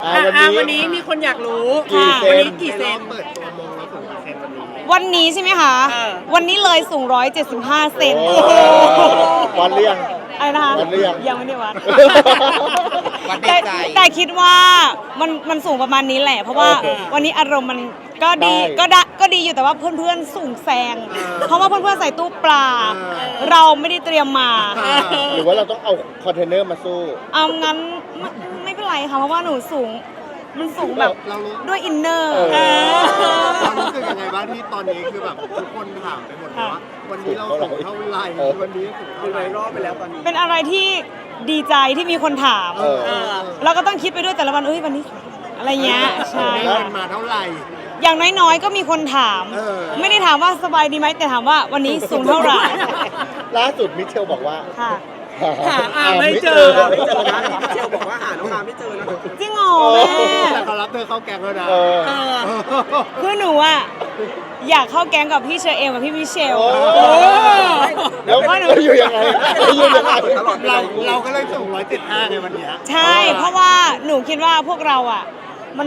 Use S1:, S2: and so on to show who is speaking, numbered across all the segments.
S1: วันนี้มีคนอยากรู้
S2: กี่เซน
S1: วันนี้กี่เซน
S3: เปิดตัวมงแล้วสูงกี่เซนวันนี้
S2: วันนี้ใช่ไหมคะ วันนี้เลยสูง175 เซน
S3: วันเรียง
S2: อะไรนะคะ
S3: วัดหรือยัง
S2: ยังไม่ได้วัด
S3: วัดใน
S2: แต่
S3: ใจ
S2: แต่คิดว่ามันสูงประมาณนี้แหละ เพราะว่าวันนี้อารมณ์มันก็ดี
S3: ได้
S2: ก็ดีอยู่แต่ว่าเพื่อนๆสูงแซง เพราะว่าเพื่อนๆใส่ตู้ปลา เราไม่ได้เตรียมมา
S3: หรือว่าเราต้องเอาคอนเทนเนอร์มาสู้
S2: เอางั้นไม่เป็นไรค่ะเพราะว่าหนูสูงมันสูงแบบ
S3: เรารู้
S2: ด้วยอินเนอร์
S3: เรารู้สึกยังไงบ้างที่ตอนนี้คือแบบทุกคนถามไปหมดเลยว่าวันนี้เราสูงเท่าไหร่วันนี้สูงเท่าไหร่รอบไปแล้วตอนนี้
S2: เป็นอะไรที่ดีใจที่มีคนถาม เราก็ต้องคิดไปด้วยแต่ละวันวันนี้อะไรเงี้ยใช่
S3: แล้วมาเท่าไหร่
S2: อย่างน้อยๆก็มีคนถาม ไม่ได้ถามว่าสบายดีไหมแต่ถามว่าวันนี้สูงเท่าไหร่
S3: ล่าสุดมิเชลบอกว่า
S2: ค่ะ
S1: หาไม่เจอ
S3: นะ
S1: เชลบอกว่าหาน้องอาไม่เจอนะ
S2: จริงเหรอแม่
S3: แต่เขารับเธอเข้าแก๊งแล้วนะ
S2: คือหนูอะอยากเข้าแก๊งกับพี่เชอเอมกับพี่มิเชล
S3: แล้วอยู่ยังไงอยู่ยังไงเราก็เลยสูง175ในวันนี้
S2: ใช่ เพราะว่าหนูคิดว่าพวกเราอะมัน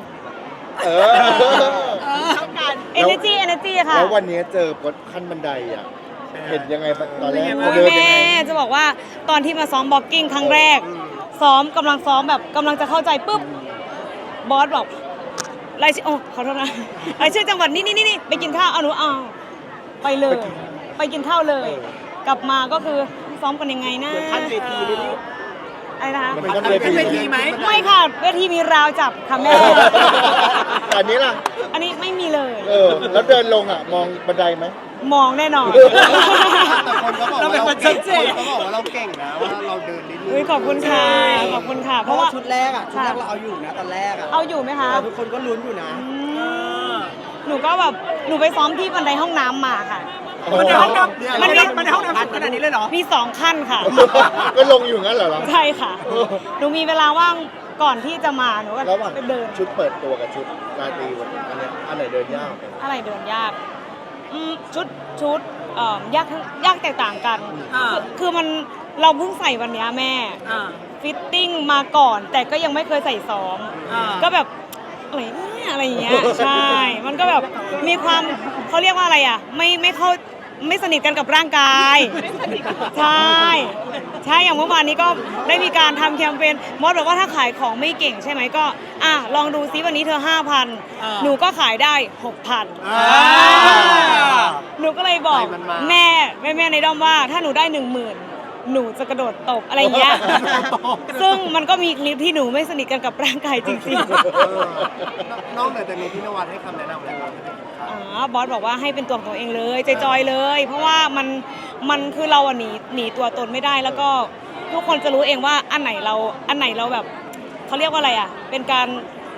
S2: energy ค่ะ
S3: แล้ววันนี้เจอพดขั้นบันไดอ่ะเห็นยังไงตอนแรก
S2: โอ้ย
S3: เดิน
S2: แม่
S3: ยังไง
S2: จะบอกว่าตอนที่มาซ้อมบ็อกกิ้งครั้งแรก กำลังซ้อมแบบกำลังจะเข้าใจปุ๊บบอสบอกรายชื่อขอโทษนะรายชื่อจังหวัดนี่ไปกินข้าวเอาหนูเอาไปเลย ไปกินข้าวเลย กลับมาก็คือซ้อมกันยังไงนะขั้นเวทีอะไรนะคะ
S3: มันเป็นขั้นเวทีไหม
S2: ไม่ค่ะเวทีมีราวจับค่ะแม่
S3: อันนี้ล่ะ
S2: อันนี้ไม่มีเลย
S3: แล้วเดินลงอ่ะมองบันไดไหม
S2: มองแน่นอน
S3: แต่คนก็บอกว่าเราเก่งคนก็บอกว่าเราเก่งนะว่าเราเดินนิดนึง
S2: เฮ้ยขอบคุณค่ะขอบคุณค่ะ เพราะว่า
S1: ชุดแรกเราเอาอยู่นะตอนแรก
S2: เอาอยู่ไหมคะ
S1: ทุกคนก็ลุ้นอยู่นะ
S2: หนูก็แบบหนูไปซ้อมที่บันไดห้องน้ำมาค่ะ
S1: มันในห้องน้ำมันในห้องน้ำขนาดนี้เลยเหรอ
S2: มี2 ขั้นค่ะ
S3: ก็ลงอยู่งั้นเหรอ
S2: ใช่ค่ะ หนูมีเวลาว่างก่อนที่จะมาหนูก็
S3: ระหว่าง
S2: ไปเดิน
S3: ชุดเปิดตัวกับชุดราตรีวันนี้อันเนี้ยอันไหนเดินยาก
S2: อะไรเดินยากชุดยากแตกต่างกันคือมันเราเพิ่งใส่วันเนี้ยแม่ฟิตติ้งมาก่อน แต่ก็ยังไม่เคยใส่ซ้อมก็แบบอะไรเนี่ยอะไรอย่างเงี้ยใช่ มันก็แบบมีความเขาเรียกว่าอะไรอ่ะไม่สนิทกันกับร่างกายใช่อย่างเมื่อวานนี้ก็ได้มีการทำแคมเปญมดบอกว่าถ้าขายของไม่เก่งใช่ไหมก็ลองดูซิวันนี้เธอ 5,000 หนูก็ขายได้ 6,000 หนูก็เลยบอกแม่ในด้อมว่าถ้าหนูได้ 10,000 หนูจะกระโดดตบอะไรเงี้ยซึ่งมันก็มีคลิปที่หนูไม่สนิทกันกับร่างกายจริงๆ
S3: นอกจากนี้พี่นวัดให้คำแนะนำอะไรบ้าง
S2: บอสบอกว่าให้เป็นตัวของตัวเองเลยจอยๆเลย เพราะว่ามันคือเราหนีตัวตนไม่ได้แล้วก็ทุกคนจะรู้เองว่าอันไหนเราแบบเขาเรียกว่าอะไรอ่ะเป็นการ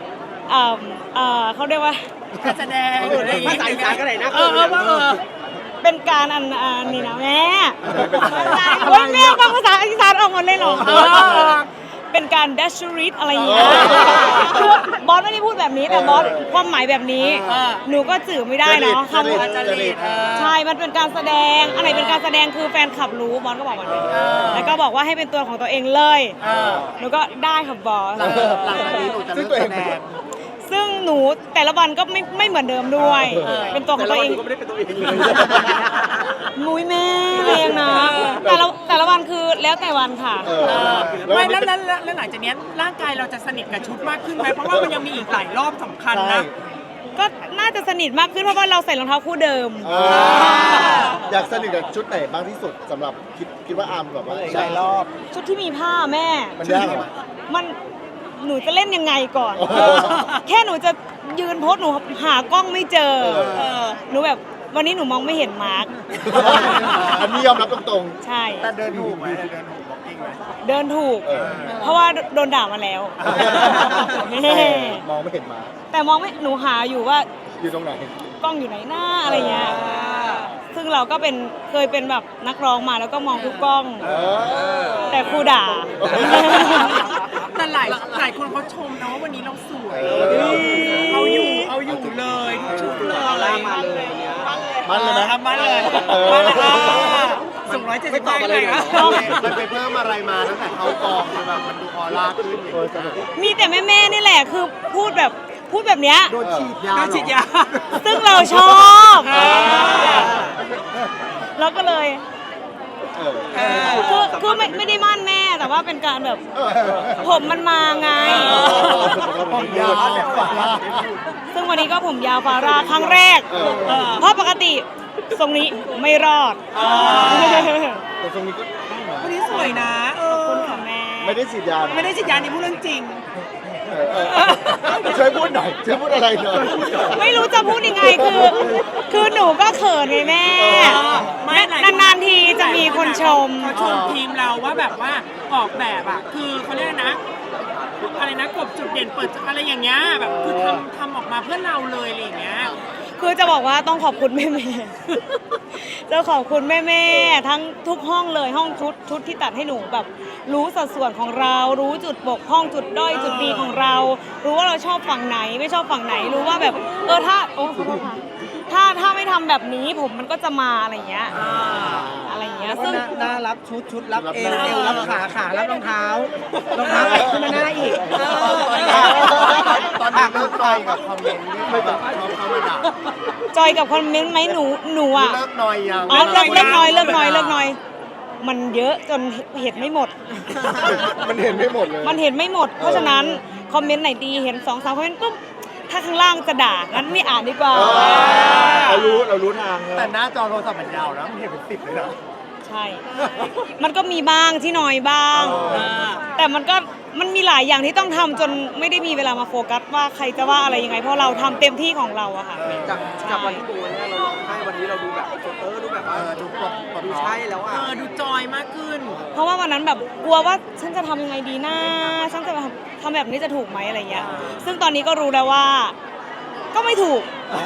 S2: เขาเรียกว่า
S1: การแสดงภาษาอีสานก็ได้นะ
S2: เป็นการนี่นะแม่โอ้ยแม่ฟังภาษาอีสานออกหมดเลยเหรอเป็นการดัชริตอะไรอย่างเงี้ยคือบอสไม่ได้พูดแบบนี้แต่บอสความหมายแบบนี้หนูก็สื่อไม่ได้เนาะคำว่าใช่มันเป็นการแสดงอันไหนเป็นการแสดงคือแฟนคลับรู้บอสก็บอกแบบนี้แล้วก็บอกว่าให้เป็นตัวของตัวเองเลยหนูก็ได้ค่ะบอส
S3: หลังจากนี้หนูจะเลิกแสดง
S2: ซึ่งหนูแต่ละวันก็ไม่เหมือนเดิมด้วยเป็นตัวของตัวเองก็ไม่ได้เป็นตัวเองมุ้ยแม่เองนะแต่ละวันคือแล้วแต่วันค่ะ
S1: ไม่แล้วหลังจากนี้ร่างกายเราจะสนิทกับชุดมากขึ้นไหมเพราะว่ามันยังมีอีกหลายรอบสำคัญนะ
S2: ก็น่าจะสนิทมากขึ้นเพราะว่าเราใส่รองเท้าคู่เดิม
S3: อยากสนิทกับชุดไหนบ้างที่สุดสำหรับคิดว่าอาร์มแบบว่าใช่รอบ
S2: ชุดที่มีผ้าแม่
S3: มันยากเหรอ
S2: หนูจะเล่นยังไงก่อนแค่หนูจะยืนโพสหนูหากล้องไม่เจอหนูแบบวันนี้หนูมองไม่เห็นมาร์ค
S3: อันนี้ยอมรับตรง
S2: ๆใช่
S3: แต่เดินถูกไหมเดินถูกบล็อกกิ้งไหม
S2: เดินถูกเพราะว่าโดนด่ามาแล้ว
S3: มองไม่เห็นมา
S2: แต่มองไม่หนูหาอยู่ว่า
S3: อยู่ตรงไหน
S2: กล้องอยู่ไหนหน้าอะไรเงี้ยซึ่งเราก็เคยเป็นแบบนักร้องมาแล้วก็มองทุกกล้องแต่ครูด่า
S1: แต่หลายคนเขาชมนะว่าวันนี้เราสวยเอาอยู่เลยทุกชุดเลย
S3: มันเลยไหม
S1: มันเลยส่ง175เลยนะ
S3: มันไปเพิ่มอะไรมาตั้งแต่เข้ากองคือแบบมันดูออร่าขึ้นอย่างเงี้ย
S2: มีแต่แม่ๆนี่แหละคือพูดแบบเนี้ย
S3: โดนฉีดยา
S1: โดนฉีดยา
S2: ซึ่งเราชอบ เราก็เลย คือไม่ได้มั่นแม่แต่ว่าเป็นการแบบผมมันมาไง
S3: ผมยาวฝ่าล่า
S2: ซึ่งวันนี้ก็ผมยาวฟาราครั้งแรก เพราะปกติทรงนี้ไม่รอด
S3: แต่ตรงนี้ก็
S1: วันนี้สวยนะ
S2: ขอบคุณค่ะแม่
S3: ไม่ได้ฉีดยา
S1: ไม่ได้ฉีดยานี่พูดเรื่องจริง
S3: ช่วยพูดหน่อยช่วยพูดอะไรหน่อย
S2: ไม่รู้จะพูดยังไงคือหนูก็เขินไงแม่
S1: ไม่หลายคน
S2: นานๆทีจะมีคนชม
S1: เขาชมทีมเราว่าแบบว่าออกแบบอ่ะคือเขาเรียกนะอะไรนะกบจุดเด่นเปิดอะไรอย่างเงี้ยแบบคือทำออกมาเพื่อเราเลยอะไรอย่างเงี้ย
S2: คือจะบอกว่าต้องขอบคุณแม่ๆจะขอบคุณแม่ๆทั้งทุกห้องเลยห้องชุดที่ตัดให้หนูแบบรู้สัดส่วนของเรา รู้จุดบกพร่องจุดด้อยจุดดีของเรา รู้ว่าเราชอบฝั่งไหนไม่ชอบฝั่งไหนรู้ว่าแบบถ้าขอโทษค่ะถ้าไม่ทำแบบนี้ผมมันก็จะมาอะไรอย่างเงี้ยอะไรอย่างเงี้ยซึ่ง
S4: หน้ารับชุดรับเอวรับขารับรองเท้าขึ้นมาหน้าอีก
S3: ตอนนี้เลิกต่อยกับคอมเมนต์ที่ไม่แบบชอบเข้ามาด่า
S2: จอยกับคอมเมนต์ไหมหนูอ่ะ
S3: เลิกหน่อยยัง
S2: อ๋อเลิกน้อยมันเยอะจนเห็นไม่หมด
S3: มันเห็นไม่หมดเลย
S2: มันเห็นไม่หมด เพราะฉะนั้นคอมเมนต์ไหนดีเห็น2-3คอมเมนต์ปุ๊บถ้าข้างล่างจะด่างั้นไม่อ่านดีกว่า
S3: เรารู้ทางแต่หน้าจอโทรศัพท์มันยาวนะมันเห็นเป็น10เลยนะ
S2: ใช่ มันก็มีบ้างที่น้อยบ้าง แต่มันมีหลายอย่างที่ต้องทำจนไม่ได้มีเวลามาโฟกัสว่าใครจะว่าอะไรยังไงเพราะเราทำเต็มที่ของเราอะค่ะ
S4: จากวันที่ดูเนี่ยเราร้องไห้วันนี้เราดูแบบดูแบบว่า
S3: ดูปลด
S4: ดูใช่แล้วอ่ะ
S1: ดูจอยมากขึ้น
S2: เพราะว่าวันนั้นแบบกลัวว่าฉันจะทำยังไงดีนะฉันจะทำแบบนี้จะถูกไหมอะไรเงี้ย ซึ่งตอนนี้ก็รู้แล้วว่า ก็ไม่ถูก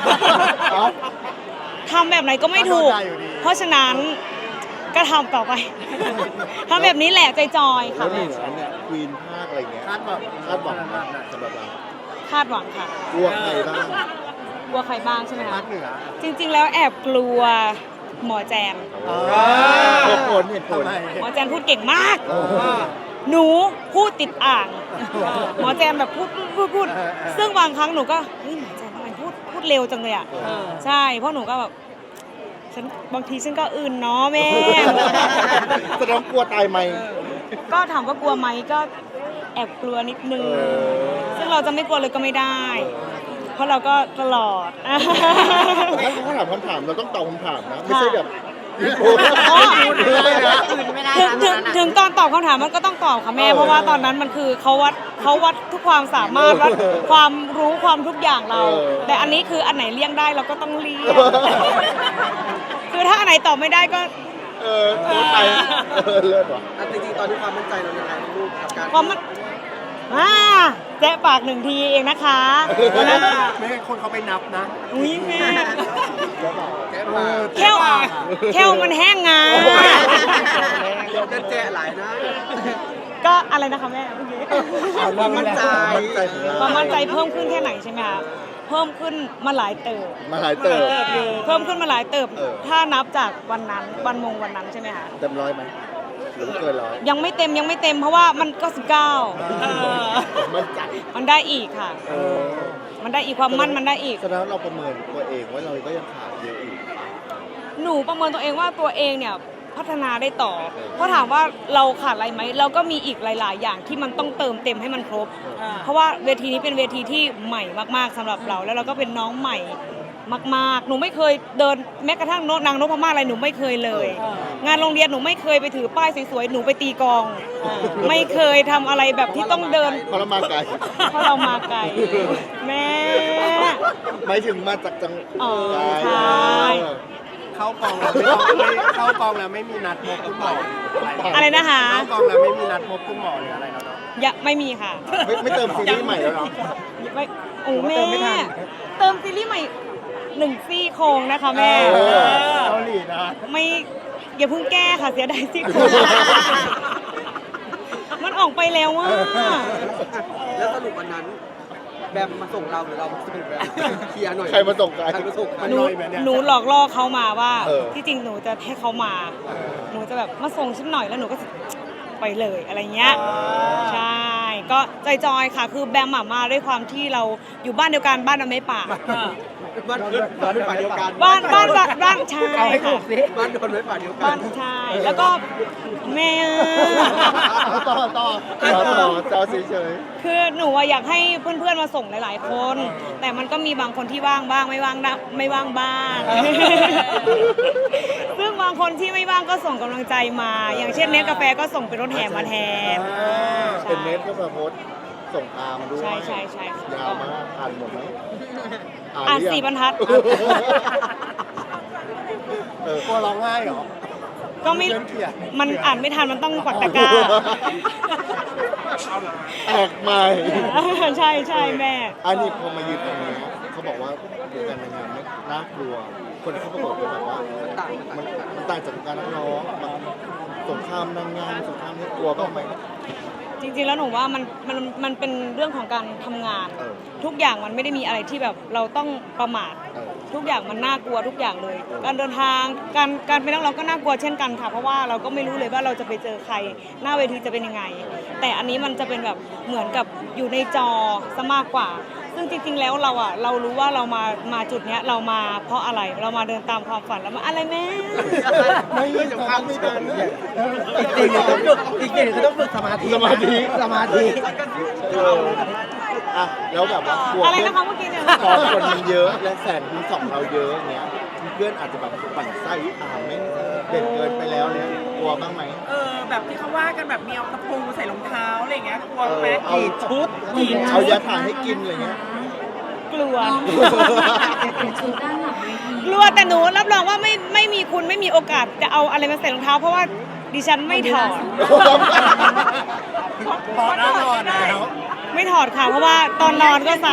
S2: ทำแบบไหนก็ไม่ถูก เพราะฉะนั้นก็ทำต่อไป ทำแบบนี้แหละใจจอยค่ะ
S3: แล้วหนึ่งอันเนี่ยควีนภาคอะไรเงี้ยคาดหวังสำหรับเรา
S2: คาดหวังค่ะ
S3: กลัวใครบ้าง
S2: กลัวใครบ้างใช่ไหม
S3: ภา
S2: คะ
S3: คเหนือ
S2: จริง ๆ แล้วแอบกลัวหมอแจน
S3: เหตุผล
S2: หมอแจนพูดเก่งมาก หนูพูดติดอ่าง หมอแจนแบบพูด ซึ่งบางครั้งหนูก็เฮ้ยหมอแจนทำไมพูดเร็วจังเลยอ่ะใช่เพราะหนูก็แบบบางทีฉันก็อื่นเนาะแม่
S3: แสดงกลัวตายไหม
S2: ก็ถามว่ากลัวไหมก็แอบกลัวนิดนึง ซึ่งเราจะไม่กลัวเลยก็ไม่ได้ เพราะเราก็ตลอด
S3: ถ้าเขาถามคำถามเราต้องตอบคำถามนะ ไม่ใช่แบบ
S2: ถึงตอนตอบคำถามมันก็ต้องตอบค่ะแม่ เพราะว่าตอนนั้นมันคือเขาวัดทุกความสามารถวัดความรู้ความทุกอย่างเรา แต่อันนี้คืออันไหนเลี่ยงได้เราก็ต้องเลี่ยง คือถ้าอันไหนตอบไม่ได้ก็
S3: โดนไปเลิศว่ะ
S4: จริงๆตอนนี้ความมั่นใจเรายังไงลูกกับการ
S2: ความมันแจ๊ะปากหนึ่งทีเองนะคะ
S3: ไม่ให้คนเขาไปนับนะ
S2: อุ้ยแม่
S3: แค่ปาก
S2: แค่วมันแห้งงา
S4: จะแจหลายนะ
S2: ก็อะไรนะคะแม่เมื่อกี้
S4: ความมั่นใจ
S2: ความมั่นใจเพิ่มขึ้นแค่ไหนใช่ไหมคะเพิ่มขึ้นมาหลายเติบ
S3: มาหลายเติบ
S2: เพิ่มขึ้นมาหลายเติบ
S3: เออ
S2: ถ้านับจากวันนั้นวันนั้นใช่ไหมคะ
S3: เต็มร้อยไหมหรือเกินร้อย
S2: ยังไม่เต็มเพราะว่ามันก็
S3: มั่นใจ
S2: มันได้อีกค่ะ มันได้อีกความมั่นมันได้อีก
S3: แสดงว่าเราประเมินตัวเองว่าเราก็ยังขาดเยอะอีก
S2: หนูประเมินตัวเองว่าตัวเองเนี่ยพัฒนาได้ต่อ เพราะถามว่าเราขาดอะไรไหมเราก็มีอีกหลาย ๆ อย่างที่มันต้องเติมเต็มให้มันครบ เพราะว่าเวทีนี้เป็นเวทีที่ใหม่มากๆสำหรับเราแล้วเราก็เป็นน้องใหม่มากๆหนูไม่เคยเดินแม้กระทั่งนางนพมาศอะไรหนูไม่เคยเลย งานโรงเรียนหนูไม่เคยไปถือป้ายสวยๆหนูไปตีกลอง ไม่เคยทำอะไรแบบที่ต้องเดิน
S3: เพราะเรามาไกล
S2: เพราะเรามาไกลแม่
S3: หมายถึงมาจากจัง
S2: อ๋อใช่
S3: เข้ากองแล้วไม่มีนัดพบคุณหมอ
S2: อะไรนะคะ
S3: เข้ากองแล้วไม่มีนัดพบคุณหมอหรืออะไรแล้วเนาะ
S2: ไม่มีค่ะ
S3: ไม่เติมซีรีส์ใหม่แล้วเนาะ
S2: ไม่โอ้แม่เติมซีรีส์ใหม่1ซี่โครงนะคะแม่
S3: เกาหลีนะ
S2: ไม่อย่าเพิ่งแก้ค่ะเสียดายซี่โครง มันออกไปแล้วว่า
S4: แล้วสรุปวันนั้นแบบมาส่งเราหรือเรามาส่งแบบเคลียร์หน่อย
S3: ใครมาส่งใคร
S4: ใครมาส่ง
S3: มัน
S2: หนู
S3: น้อยไหมเนี่ย
S2: หนูหลอกล่อเขามาว่า
S3: เออ
S2: ที่จริงหนูจะให้เขามา หนูจะแบบมาส่งฉันหน่อยแล้วหนูก็ไปเลยอะไรเงี้ยใช่ก็จอยๆค่ะคือแบมมาด้วยความที่เราอยู่บ้านเดียวกันบ้านเราไม่ป่า
S4: บ้านโดนไฟป่าเดียวกัน
S2: บ้านใช่
S4: เอาให้ถู
S2: ค่ะ
S4: กสิบ้านโดนไฟป่าเดียวกั
S2: บ้าน นใช่แล้วก็แม่
S3: ต่อเฉย
S2: คือหนูอะอยากให้เพื่อนๆมาส่งหลายๆคน แต่มันก็มีบางคนที่ว่างบ้างไม่ว่างบ้าง ซึ่งบางคนที่ไม่ว่างก็ส่งกำลังใจมา อย่างเช่นเนสกาแฟก็ส่งเป็นรถแห่มาแทน
S3: เป็นเน็ตก็มาโพสต์ส่งตามด้วย
S2: ใช่ค่ะ
S3: ยาวมากอ่านหมดไหม
S2: อ่าน
S3: หรือยัง
S2: 4 บรรทัด
S3: กลัวร้องไห้เหรอ
S2: ก็ไม่
S3: เพื่อนเกลียด
S2: มันอ่านไม่ทันมันต้องกดตะกร้า
S3: แตกใหม่
S2: ใช่แม่
S3: อันนี้พอมายืนตรงนี้เขาบอกว่าวงการนางงามไม่น่ากลัว คนที่เขาประกอบก็แบบว่ามันต่างจากการนักร้องแบบสงครามนางงามสงครามนี่กลัวบ้างไหม
S2: จริงๆแล้วหนูว่ามันเป็นเรื่องของการทำงาน
S3: เออ
S2: ทุกอย่างมันไม่ได้มีอะไรที่แบบเราต้องประมาท
S3: เออ
S2: ทุกอย่างมันน่ากลัวทุกอย่างเลย การเดินทางการเป็นนักร้องก็น่ากลัวเช่นกันค่ะ เพราะว่าเราก็ไม่รู้เลยว่าเราจะไปเจอใครหน้าเวทีจะเป็นยังไง แต่อันนี้มันจะเป็นแบบเหมือนกับอยู่ในจอซะมากกว่า ซึ่งจริงๆแล้วเรารู้ว่าเรามาจุดเนี้ยเรามาเพราะอะไรเรามาเดินตามความฝันแล้วมาอะไรแม่
S3: ไม่จะพักไม่ทัน
S4: อีกอย่างคือต้องฝึกสมาธิ
S3: สมาธิ อ่ะแล้วแบบว่ากลัว
S2: อะไร
S3: เพื่อน
S2: นะคะเมื่อกี้เนี่ย
S3: พอคนมันเยอะและแสนคูณสองเราเยอะอย่างเงี้ยเพื่อนอาจจะแบบปั่นไส้ไม่เด่นเกินไปแล้วเนี่ยกลัวบ้างไหม
S1: แบบที่เขาว่ากันแบบมีเอาตะปูใส่รองเท้าอะไรอย่างเงี้ยกลัวไหม
S3: เอาชุดเอายาถ่ายให้กินอะไรเงี้ย
S2: กลัว กลัวแต่หนูรับรองว่าไม่มีคุณไม่มีโอกาสจะเอาอะไรมาใส่รองเท้า เพราะว่าดิฉันไม่ถอด
S3: พอได้นอนแล้ว
S2: ไม่ถอดค่ะ เพราะว่าตอนนอนก็ใส่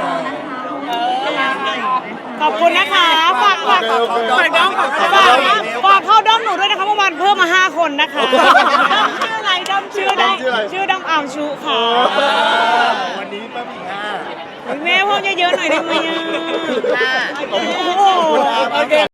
S2: ขอบคุณนะคะฝากเข้าด้อมหนูด้วยนะคะเมื่อวานเพิ่มมา5 คนนะคะชื่ออะไรด้อมชื่อด้อมอามชุค่ะ
S3: วันนี้ป้ามีห้า
S2: แม่เพิ่มเยอะๆหน่อยได้ไหมอ่ะ
S3: ขอบคุณครับ